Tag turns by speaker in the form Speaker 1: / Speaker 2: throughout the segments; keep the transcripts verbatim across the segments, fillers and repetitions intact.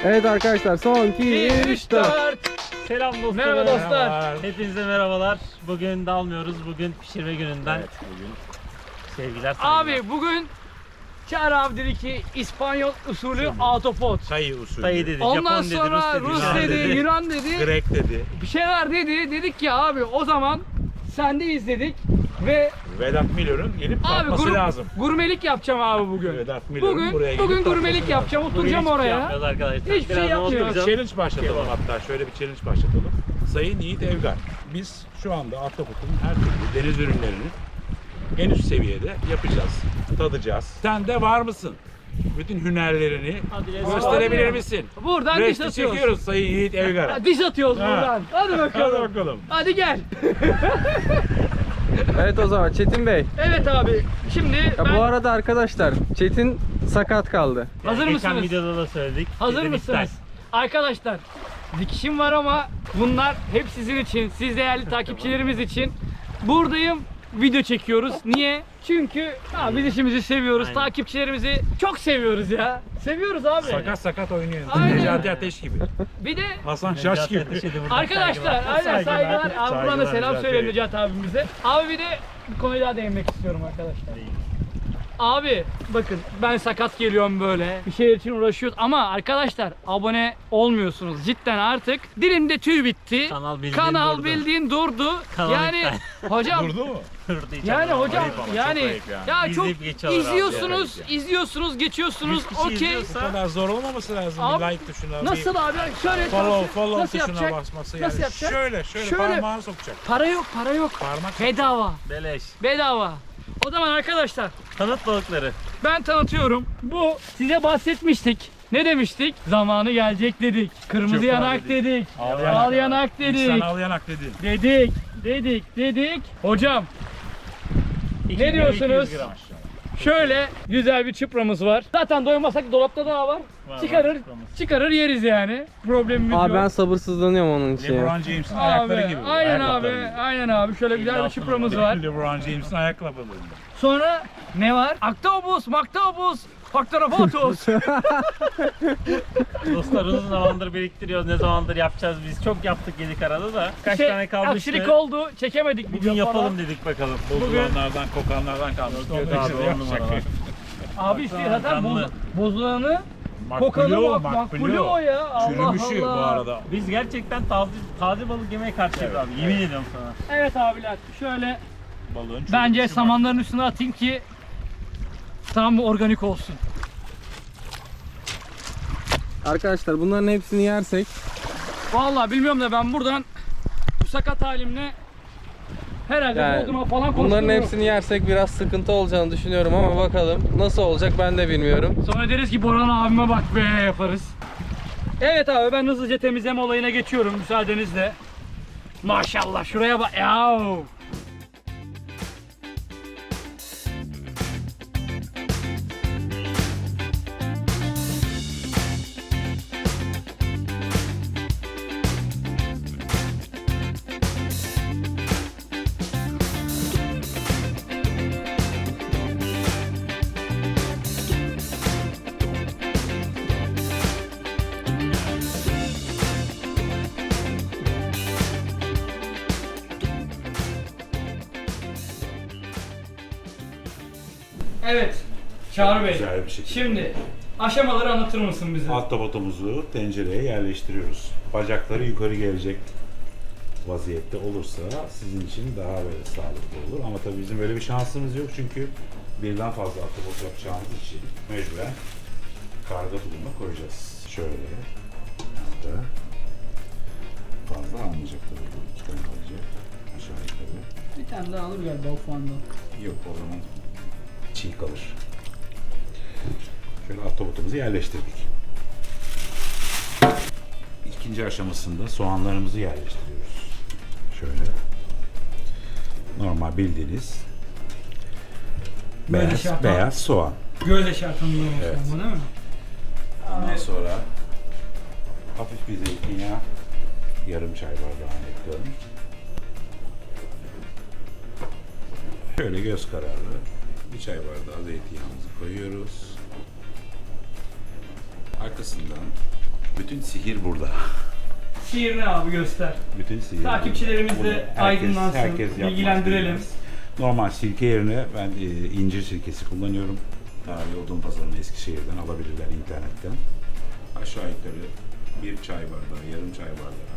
Speaker 1: Evet arkadaşlar, son iki, üç, dört.
Speaker 2: Selam dostlar.
Speaker 3: Merhaba dostlar.
Speaker 2: Merhabalar. Hepinize merhabalar. Bugün dalmıyoruz. Bugün pişirme gününden.
Speaker 3: Evet, bugün.
Speaker 2: Sevgiler, saygılar.
Speaker 3: Abi bugün Çağrı abi dedi ki İspanyol usulü autopot.
Speaker 4: Sayı usulü.
Speaker 2: Dayı dedi,
Speaker 3: Ondan
Speaker 2: Japon dedi,
Speaker 3: sonra
Speaker 2: Rus dedi,
Speaker 3: Rus
Speaker 2: Yunan
Speaker 3: dedi,
Speaker 2: dedi.
Speaker 3: Yunan dedi.
Speaker 4: Grek dedi.
Speaker 3: Bir şeyler dedi. Dedik ki abi o zaman sendeyiz dedik ve
Speaker 4: Vedat Milor'un gelip
Speaker 3: abi
Speaker 4: kalkması
Speaker 3: gur-
Speaker 4: lazım.
Speaker 3: gurmelik yapacağım abi bugün.
Speaker 4: Vedat Milor'un
Speaker 3: Bugün
Speaker 4: buraya gelip
Speaker 3: bugün
Speaker 4: kalkması
Speaker 3: gurmelik
Speaker 4: lazım.
Speaker 3: yapacağım.
Speaker 2: Bugün
Speaker 3: Oturacağım
Speaker 2: hiçbir şey
Speaker 3: oraya.
Speaker 2: yapmıyoruz arkadaşlar.
Speaker 3: Hiçbir şey
Speaker 2: Birazdan
Speaker 3: yapmıyoruz.
Speaker 2: oturacağım.
Speaker 4: Challenge başlatalım hatta. Şöyle bir challenge başlatalım. Sayın Yiğit Evgar. Biz şu anda Ahtapot'un her türlü deniz ürünlerini en üst seviyede yapacağız. Tadacağız. Sen de var mısın? Bütün hünerlerini
Speaker 2: Hadi let's go.
Speaker 4: gösterebilir
Speaker 3: Hadi.
Speaker 4: misin?
Speaker 3: Buradan diş
Speaker 4: Resti
Speaker 3: atıyoruz.
Speaker 4: çekiyoruz Sayın Yiğit Evgar'a.
Speaker 3: Ha, Diş atıyoruz
Speaker 4: Ha.
Speaker 3: buradan. Hadi bakalım.
Speaker 4: Hadi bakalım.
Speaker 3: Hadi gel.
Speaker 1: Evet o zaman Çetin Bey.
Speaker 3: Evet abi. Şimdi
Speaker 1: Ya
Speaker 3: ben...
Speaker 1: bu arada arkadaşlar, Çetin sakat kaldı.
Speaker 3: Hazır
Speaker 2: Geçen
Speaker 3: mısınız?
Speaker 2: videoda da söyledik.
Speaker 3: Hazır
Speaker 2: Bizim
Speaker 3: mısınız? Arkadaşlar dikişim var ama bunlar hep sizin için, siz değerli takipçilerimiz için. Buradayım, video çekiyoruz. Niye? Çünkü ha, biz işimizi seviyoruz,
Speaker 2: Aynen.
Speaker 3: takipçilerimizi çok seviyoruz ya. Seviyoruz abi.
Speaker 4: Sakat sakat oynuyor.
Speaker 3: Aynen.
Speaker 4: Necati Ateş gibi.
Speaker 3: Bir de
Speaker 4: Hasan
Speaker 2: İstek.
Speaker 4: Şaş gibi.
Speaker 2: Necati Ateş'e de buradan
Speaker 3: arkadaşlar,
Speaker 2: saygılar.
Speaker 3: aynen saygılar. Abi buradan da
Speaker 4: Saygılar
Speaker 3: selam
Speaker 4: Necati
Speaker 3: söyleyin
Speaker 4: Bey.
Speaker 3: Necati abimize. Abi bir de bir konuya daha değinmek istiyorum arkadaşlar. Abi bakın ben sakat geliyorum böyle bir şeyler için uğraşıyoruz ama arkadaşlar abone olmuyorsunuz cidden artık dilimde tüy bitti,
Speaker 2: Kanal bildiğin
Speaker 3: Kanal
Speaker 2: durdu.
Speaker 3: bildiğin durdu.
Speaker 2: Kanal
Speaker 3: Yani hocam
Speaker 4: Durdu mu?
Speaker 2: Durdu hiç
Speaker 3: yani
Speaker 2: anlamadım.
Speaker 3: hocam
Speaker 4: Ayıp ama, çok
Speaker 3: yani
Speaker 4: ayıp yani.
Speaker 3: ya çok
Speaker 2: İzleyip geçiyorlar abi,
Speaker 3: izliyorsunuz
Speaker 4: evet
Speaker 3: izliyorsunuz geçiyorsunuz
Speaker 2: yüz kişi
Speaker 3: okey.
Speaker 2: izliyorsa-
Speaker 4: Bu kadar zor olmaması lazım.
Speaker 3: Abi,
Speaker 4: Bir like tuşuna.
Speaker 3: Nasıl
Speaker 4: bir
Speaker 3: abi şöyle
Speaker 4: follow, follow
Speaker 3: nasıl
Speaker 4: tuşuna
Speaker 3: yapacak?
Speaker 4: basması yani.
Speaker 3: Nasıl yapacak?
Speaker 4: Şöyle, şöyle,
Speaker 3: Şöyle.
Speaker 4: parmağını sokacak.
Speaker 3: Para yok para yok.
Speaker 4: Parmak
Speaker 3: Bedava
Speaker 2: Beleş.
Speaker 3: bedava. O zaman arkadaşlar
Speaker 2: Tanıt balıkları.
Speaker 3: ben tanıtıyorum. Bu size bahsetmiştik. Ne demiştik? Zamanı gelecek dedik. Kırmızı
Speaker 4: Çöp
Speaker 3: yanak
Speaker 4: var
Speaker 3: dedik.
Speaker 4: Al
Speaker 3: Al
Speaker 4: yanak.
Speaker 3: yanak, dedik.
Speaker 4: İnsan al yanak dedi.
Speaker 3: Dedik. Dedik. Dedik. Hocam
Speaker 2: iki
Speaker 3: Ne
Speaker 2: kilo
Speaker 3: diyorsunuz?
Speaker 2: iki yüz gram.
Speaker 3: şöyle güzel bir çıpramız var. Zaten doymasak dolapta daha var.
Speaker 2: Var,
Speaker 3: Çıkarır.
Speaker 2: var çıpramız.
Speaker 3: Çıkarır yeriz yani. Problemimiz
Speaker 1: Abi ben
Speaker 3: yok.
Speaker 1: sabırsızlanıyorum onun için ya.
Speaker 4: LeBron James'in
Speaker 3: Abi,
Speaker 4: ayakları gibi.
Speaker 3: aynen abi.
Speaker 4: Ayakkabıları gibi.
Speaker 3: Aynen abi. Şöyle güzel bir
Speaker 2: altını
Speaker 3: çıpramız
Speaker 2: var.
Speaker 3: var.
Speaker 4: LeBron James'in ayakkabıları gibi.
Speaker 3: Sonra ne var? Aktobus, maktobus, faktorofotos.
Speaker 2: Dostlar uzun zamandır biriktiriyoruz. Ne zamandır yapacağız biz. Çok yaptık yedik arada da. Kaç
Speaker 3: Şey,
Speaker 2: tane kalmıştı.
Speaker 3: Aksilik oldu. Çekemedik
Speaker 2: Bugün
Speaker 3: video falan.
Speaker 2: yapalım dedik bakalım.
Speaker 4: Bozulanlardan, kokanlardan kalmış.
Speaker 2: Yok
Speaker 4: Onları
Speaker 2: abi,
Speaker 4: işte
Speaker 2: on
Speaker 4: yapacak.
Speaker 2: numara.
Speaker 3: Abi işte zaten boz,
Speaker 2: Canlı.
Speaker 3: bozulanı kokanı
Speaker 4: Makbulo,
Speaker 3: bak makbulü o ya. Allah
Speaker 4: Çürümüşü
Speaker 3: Allah.
Speaker 4: bu arada.
Speaker 2: Biz gerçekten taze, taze balık yemeye karşıyız abi. Yemin ediyorum sana.
Speaker 3: Evet abiler şöyle
Speaker 4: Balığın
Speaker 3: bence
Speaker 4: çürümüşü var.
Speaker 3: samanların üstüne atayım ki tam organik olsun.
Speaker 1: Arkadaşlar bunların hepsini yersek
Speaker 3: Vallahi bilmiyorum da ben buradan bu sakat halimle herhalde
Speaker 1: yani
Speaker 3: Bodrum'a falan
Speaker 1: bunların
Speaker 3: koştururum.
Speaker 1: hepsini yersek biraz sıkıntı olacağını düşünüyorum ama bakalım nasıl olacak ben de bilmiyorum.
Speaker 3: Sonra deriz ki Boran abime bak be yaparız. Evet abi ben hızlıca temizleme olayına geçiyorum müsaadenizle. Maşallah şuraya bak. Yahu. Evet. Çağrı Bey.
Speaker 4: Güzel bir şekilde.
Speaker 3: Şimdi aşamaları anlatır mısın bize?
Speaker 4: Ahtapotumuzu tencereye yerleştiriyoruz. Bacakları yukarı gelecek vaziyette olursa sizin için daha böyle sağlıklı olur. Ama tabii bizim böyle bir şansımız yok çünkü birden fazla ahtapot yapacağımız için mecburen karga bulunma koyacağız. Şöyle. Hatta fazla almayacak tabii bu. İki tane alacak. Aşağı yukarı.
Speaker 3: Bir tane daha alır galiba ufandan.
Speaker 4: Yok o zaman çiğ kalır. Şöyle ahtapotumuzu yerleştirdik. İkinci aşamasında soğanlarımızı yerleştiriyoruz. Şöyle. Normal bildiğiniz
Speaker 3: Böyle
Speaker 4: beyaz,
Speaker 3: şey yapan-
Speaker 4: beyaz soğan.
Speaker 3: Göz eşartını
Speaker 4: Evet.
Speaker 3: bu değil mi?
Speaker 4: Ondan sonra hafif bir zeytinyağı, yarım çay bardağı ekliyorum. Şöyle göz kararı bir çay bardağı zeytinyağımızı koyuyoruz. Arkasından Bütün sihir burada.
Speaker 3: Şiir ne abi, göster.
Speaker 4: Bütün sihir
Speaker 3: Takipçilerimiz
Speaker 4: burada.
Speaker 3: de
Speaker 4: Bunu herkes-
Speaker 3: aydınlansın,
Speaker 4: herkes yapmaz,
Speaker 3: bilgilendirelim.
Speaker 4: bilmez. Normal sirke yerine ben e, incir sirkesi kullanıyorum. Tarihi Odun Pazarı'nın Eskişehir'den alabilirler internetten. Aşağı yukarı bir çay bardağı, yarım çay bardağı.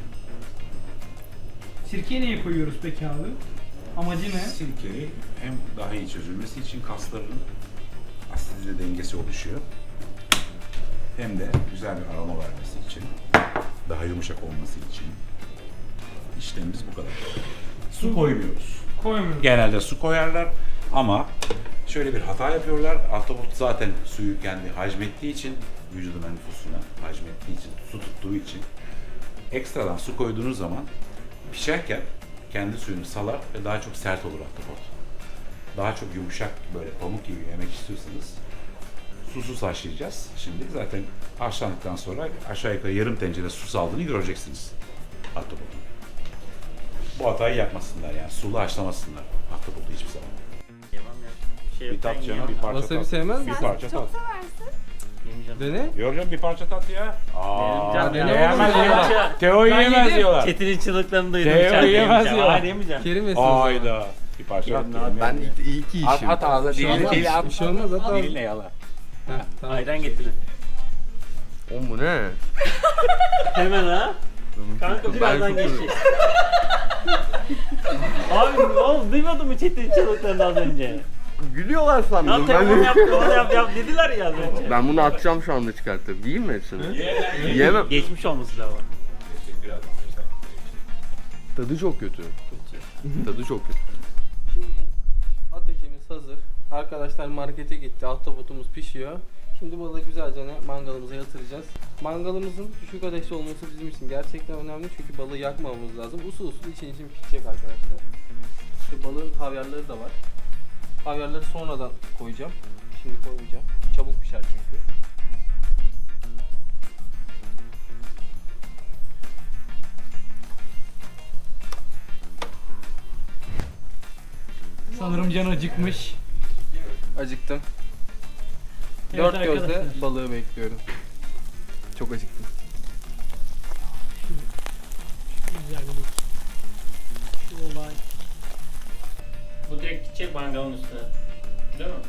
Speaker 3: Sirkeyi niye koyuyoruz peki abi? Amacı ne?
Speaker 4: Sirkeyi hem daha iyi çözülmesi için kasların asidite dengesi oluşuyor. Hem de güzel bir aroma vermesi için, daha yumuşak olması için. İşlemimiz bu kadar. Su koymuyoruz.
Speaker 3: Koymuyoruz.
Speaker 4: Genelde su koyarlar ama şöyle bir hata yapıyorlar. Ahtapot zaten suyu kendi hacmettiği için, vücudun nüfusuna hacmettiği için, su tuttuğu için ekstradan su koyduğunuz zaman pişerken kendi suyunu salar ve daha çok sert olur ahtapot. Daha çok yumuşak, böyle pamuk gibi yemek istiyorsanız susuz haşlayacağız. Şimdi zaten haşlandıktan sonra aşağı yukarı yarım tencere su saldığını göreceksiniz ahtapotun. Bu hatayı yapmasınlar yani, sulu haşlamasınlar ahtapotu hiçbir zaman.
Speaker 2: Yemem ya. Bir şey
Speaker 4: Bir
Speaker 2: yok,
Speaker 4: tat
Speaker 2: ben
Speaker 4: canım,
Speaker 2: yiyemem.
Speaker 4: bir parça
Speaker 1: Wasabi
Speaker 4: tat.
Speaker 1: sevmez
Speaker 4: Bir
Speaker 1: misin?
Speaker 4: parça tat.
Speaker 5: Çok seversin.
Speaker 2: Yemeyeceğim.
Speaker 1: Dene.
Speaker 4: Yok canım, bir parça tat ya. Aa,
Speaker 2: Canım,
Speaker 1: dene
Speaker 4: yiyemez
Speaker 1: oğlum ya.
Speaker 4: diyorlar. Teo
Speaker 3: Ben
Speaker 4: yiyemez
Speaker 3: yedim.
Speaker 4: diyorlar.
Speaker 2: Çetin'in çığlıklarını duydum.
Speaker 4: Teo
Speaker 2: içeride
Speaker 4: yiyemez
Speaker 2: yemeyeceğim.
Speaker 4: diyorlar.
Speaker 2: Hayır yemeyeceğim.
Speaker 1: Kerim yesin. o zaman.
Speaker 4: Hayda. Bir parça
Speaker 1: Yok,
Speaker 4: tat.
Speaker 1: Ben ilk, ilk iyi
Speaker 4: At,
Speaker 1: işim.
Speaker 4: at ağzına,
Speaker 1: Bir şey
Speaker 4: dilini
Speaker 1: olmaz,
Speaker 4: dili at.
Speaker 1: Bir şey olmaz at ağzına.
Speaker 4: Diline yala.
Speaker 1: Heh, tamam.
Speaker 2: Ayran getirin.
Speaker 1: Oğlum bu ne?
Speaker 2: Hemen ha. Kanka birazdan
Speaker 1: çok
Speaker 2: geçecek. Abi oğlum duymadın mı Çetin'in çığlıklarını az önce?
Speaker 1: Gülüyorlar
Speaker 2: Lan
Speaker 1: sandım.
Speaker 2: telefon yap, onu yap yap dediler ya az önce.
Speaker 1: Ben bunu atacağım şu anda çıkartıp. Yiyeyim mi hepsini? Yiyemem.
Speaker 2: Geçmiş olması lazım.
Speaker 1: Tadı çok kötü. Tadı çok kötü. Şimdi ateşimiz hazır. Arkadaşlar markete gitti. Ahtapotumuz pişiyor. Şimdi balığı güzelce mangalımıza yatıracağız. Mangalımızın düşük ateşte olması bizim için gerçekten önemli çünkü balığı yakmamamız lazım. Usul usul için için pişecek arkadaşlar. İşte balığın havyarları da var. Havyarları sonradan koyacağım. Şimdi koymayacağım. Çabuk pişer çünkü.
Speaker 3: Sanırım can acıkmış.
Speaker 1: Acıktım.
Speaker 3: Evet
Speaker 1: Dört gözle
Speaker 3: arkadaşlar.
Speaker 1: balığı bekliyorum. Çok acıktım.
Speaker 3: Güzellik. Şu olay.
Speaker 2: Bu direkt gidecek mangalın üstüne. Değil mi?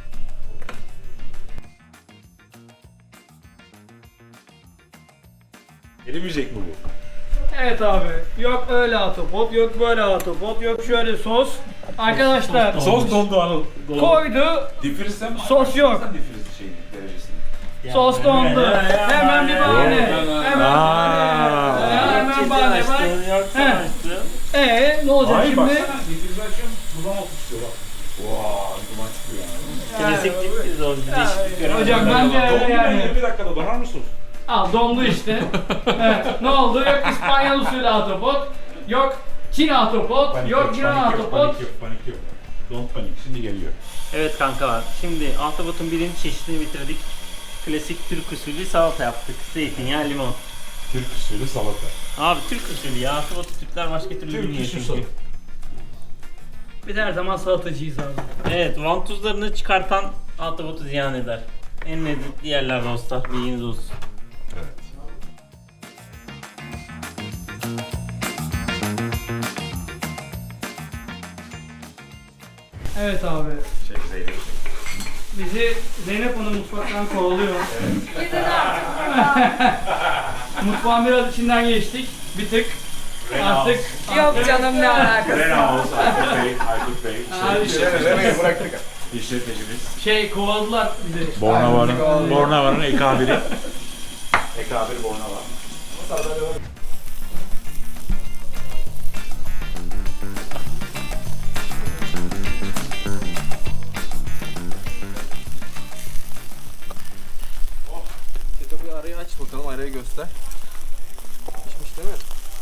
Speaker 4: Erimeyecek mi bu?
Speaker 3: Evet abi. Yok öyle atopot, yok böyle atopot, yok şöyle sos. Arkadaşlar
Speaker 4: Sos dondu Anıl.
Speaker 3: koydu,
Speaker 4: Difrizsen mi?
Speaker 3: Sos yok.
Speaker 4: Açarsan difriz şey derecesini.
Speaker 3: sos dondu. Hemen bir bahane. Hemen bahane. Hemen bahane bak. Heh. Ee ne olacak
Speaker 4: Hayır
Speaker 3: şimdi?
Speaker 4: baksana difrizi açıyorum duman altı çıkıyor bak. Vaa duman çıkıyor yani.
Speaker 2: Klasik diptiz o değişiklik göremedim.
Speaker 3: Hocam ben de öyle yani.
Speaker 4: yirmi dakikada donar mısın?
Speaker 3: Al dondu işte. Evet, ne oldu? Yok İspanyol usulü atopot, yok Çin atopot, yok Yunan atopot.
Speaker 4: Panik yok, panik yok. Don't panik, şimdi geliyor.
Speaker 2: Evet kankalar, şimdi ahtapotun birinci çeşidini bitirdik. Klasik Türk usulü salata yaptık. Zeytinyağı, limon.
Speaker 4: Türk usulü salata.
Speaker 2: Abi Türk usulü ya, ahtapotu Türkler başka türlü
Speaker 4: Türk
Speaker 2: bilmiyor
Speaker 4: usulü.
Speaker 2: çünkü.
Speaker 3: Biz her zaman salatacıyız abi.
Speaker 2: Evet, vantuzlarını çıkartan ahtapotu ziyan eder. En lezzetli yerler dostlar, bilginiz olsun.
Speaker 4: Evet.
Speaker 3: Evet abi.
Speaker 4: Şey Zeynep.
Speaker 3: Bizi Zeynep Hanım mutfaktan kovalıyor.
Speaker 5: Gidin artık buradan.
Speaker 3: Mutfağın biraz içinden geçtik. Bir tık. Artık.
Speaker 5: Yok canım ne alakası.
Speaker 4: Renault, Aykut Bey, Aykut Bey.
Speaker 3: Abi,
Speaker 4: İşletmecimiz. bıraktık. İşletmecimiz.
Speaker 3: Şey kovaladılar bizi.
Speaker 4: Bornava'nın, Bornava'nın ekabiri. Ekabir Bornava.
Speaker 1: Çeto bir arayı aç bakalım, arayı göster. Pişmiş değil mi?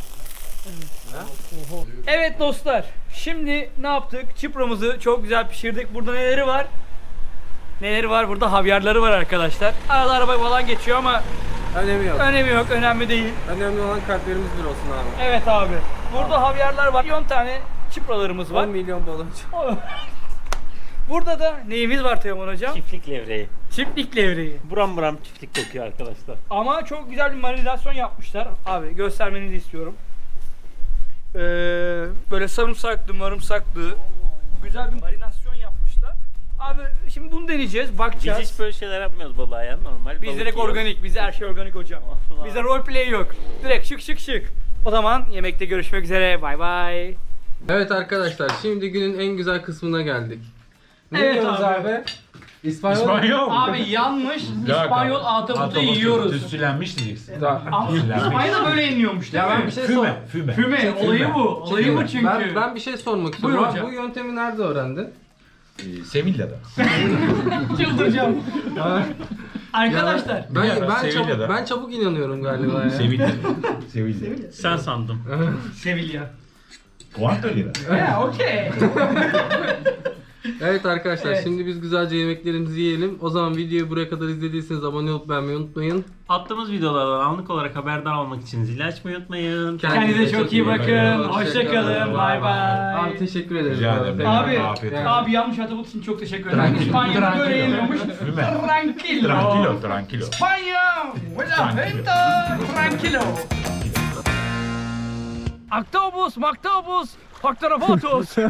Speaker 3: Evet dostlar. Şimdi ne yaptık? Çipramızı çok güzel pişirdik. Burada neleri var? Neleri var? Burada havyarları var arkadaşlar. Arada araba falan geçiyor ama
Speaker 1: Önemi yok.
Speaker 3: önemi yok. Önemli değil.
Speaker 1: Önemli olan kalplerimiz bir olsun abi.
Speaker 3: Evet abi. Burada havyarlar var. on tane çipralarımız var.
Speaker 1: on milyon baloncu.
Speaker 3: Burada da neyimiz var Teoman hocam?
Speaker 2: Çiftlik levreği.
Speaker 3: Çiftlik levreği.
Speaker 2: Buram buram çiftlik kokuyor arkadaşlar.
Speaker 3: Ama çok güzel bir marinasyon yapmışlar. Abi göstermenizi istiyorum. Ee, böyle sarımsaklı marımsaklı güzel bir marinasyon yapmışlar. Abi şimdi bunu deneyeceğiz,
Speaker 2: Biz
Speaker 3: bakacağız.
Speaker 2: hiç böyle şeyler yapmıyoruz balığa ya, normal.
Speaker 3: Biz
Speaker 2: balık
Speaker 3: direkt
Speaker 2: yiyoruz.
Speaker 3: organik, bizde her şey organik hocam.
Speaker 2: Allah.
Speaker 3: Bizde roleplay yok. Direkt şık şık şık. O zaman yemekte görüşmek üzere. Bay bay.
Speaker 1: Evet arkadaşlar, şimdi günün en güzel kısmına geldik. Ne
Speaker 3: Evet
Speaker 1: yiyoruz
Speaker 3: abi.
Speaker 1: abi? İspanyol.
Speaker 4: İspanyol.
Speaker 3: Abi yanmış İspanyol ahtapotu yiyoruz.
Speaker 4: Tütsülenmiş diyeceksin.
Speaker 3: Ama İspanya'da böyle yeniliyormuş değil
Speaker 1: Ya ben
Speaker 3: mi?
Speaker 1: bir şey sor.
Speaker 4: Füme, füme.
Speaker 3: Füme, olayı bu. Olayı bu çünkü.
Speaker 1: Ben, ben bir şey sormak istiyorum.
Speaker 3: Buyur
Speaker 1: Abi,
Speaker 3: hocam.
Speaker 1: bu yöntemi nerede öğrendin?
Speaker 4: Ee, Sevilla'da.
Speaker 3: Çıldıracağım. Arkadaşlar.
Speaker 1: Ben
Speaker 4: Ya,
Speaker 1: ben çabuk,
Speaker 4: Sevilla'da.
Speaker 1: ben çabuk inanıyorum galiba ya.
Speaker 4: Sevilla. Sevilla.
Speaker 2: Sen sandım.
Speaker 3: Sevilla.
Speaker 4: Cuánto lira?
Speaker 3: Ya okey.
Speaker 1: Evet arkadaşlar,
Speaker 3: Evet.
Speaker 1: şimdi biz güzelce yemeklerimizi yiyelim. O zaman videoyu buraya kadar izlediyseniz abone olup beğenmeyi unutmayın.
Speaker 2: Attığımız videolardan anlık olarak haberdar olmak için zili açmayı unutmayın.
Speaker 3: Kendinize çok iyi bakın. Hoşça kalın. Bay bay.
Speaker 1: Abi teşekkür ederim.
Speaker 4: Rica ederim.
Speaker 3: Abi,
Speaker 4: Afiyet olsun.
Speaker 3: abi yanlış atabut için çok teşekkür ederim.
Speaker 4: Tranquilo.
Speaker 3: İspanya'da böyle
Speaker 4: Tranquilo.
Speaker 3: yeniliyormuş.
Speaker 4: Füme.
Speaker 3: Tranquilo.
Speaker 4: Tranquilo, tranquilo.
Speaker 3: España, buena venta, tranquilo. Octobus, Mactobus, Octorobotus.